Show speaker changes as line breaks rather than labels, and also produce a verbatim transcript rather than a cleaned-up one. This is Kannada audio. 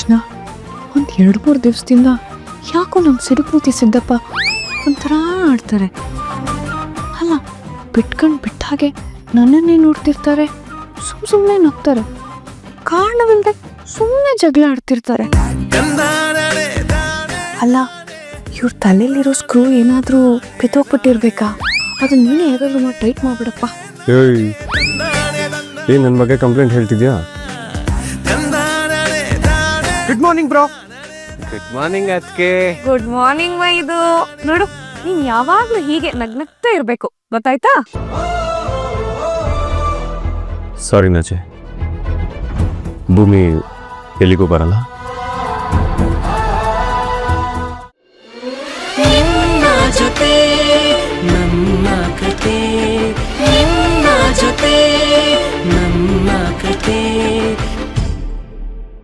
ತಕ್ಷಣ ಒಂದು ಎರಡು ಮೂರು ದಿವಸದಿಂದ ಯಾಕೋ ನಮ್ಮ ಸಿಡುಕೂತಿ ಸಿದ್ದಪ್ಪ ಒಂಥರ ಆಡ್ತಾರೆ. ಅಲ್ಲ, ಬಿಟ್ಕೊಂಡು ಬಿಟ್ಟ ಹಾಗೆ ನನ್ನನ್ನೇ ನೋಡ್ತಿರ್ತಾರೆ, ಸುಮ್ ಸುಮ್ಮನೆ ನಗ್ತಾರೆ, ಕಾರಣವಿಲ್ಲದೆ ಸುಮ್ಮನೆ ಜಗಳ ಆಡ್ತಿರ್ತಾರೆ. ಅಲ್ಲ, ಇವ್ರ ತಲೆಯಲ್ಲಿರೋ ಸ್ಕ್ರೂ ಏನಾದರೂ ಬಿತ್ತೋಗ್ಬಿಟ್ಟಿರ್ಬೇಕಾ? ಅದನ್ನ ನೀನೇ ಹೇಗಾದ್ರೂ ಮಾಡಿ ಟೈಟ್ ಮಾಡ್ಬಿಡಪ್ಪ.
ಏಯ್ ಏನ್ ನನ್ನ ಬಗ್ಗೆ ಕಂಪ್ಲೇಂಟ್ ಹೇಳ್ತಿದ್ಯಾ? Good morning bro. Good morning ಅದಕ್ಕೆ.
ಗುಡ್ ಮಾರ್ನಿಂಗ್ ಇದು ನೋಡು, ನೀನ್ ಯಾವಾಗ್ಲೂ ಹೀಗೆ ನಗ್ನಗ್ತಾ ಇರ್ಬೇಕು, ಗೊತ್ತಾಯ್ತಾ?
ಸಾರಿ ನಚೆ, ಭೂಮಿ ಎಲ್ಲಿಗೂ ಬರಲ್ಲ.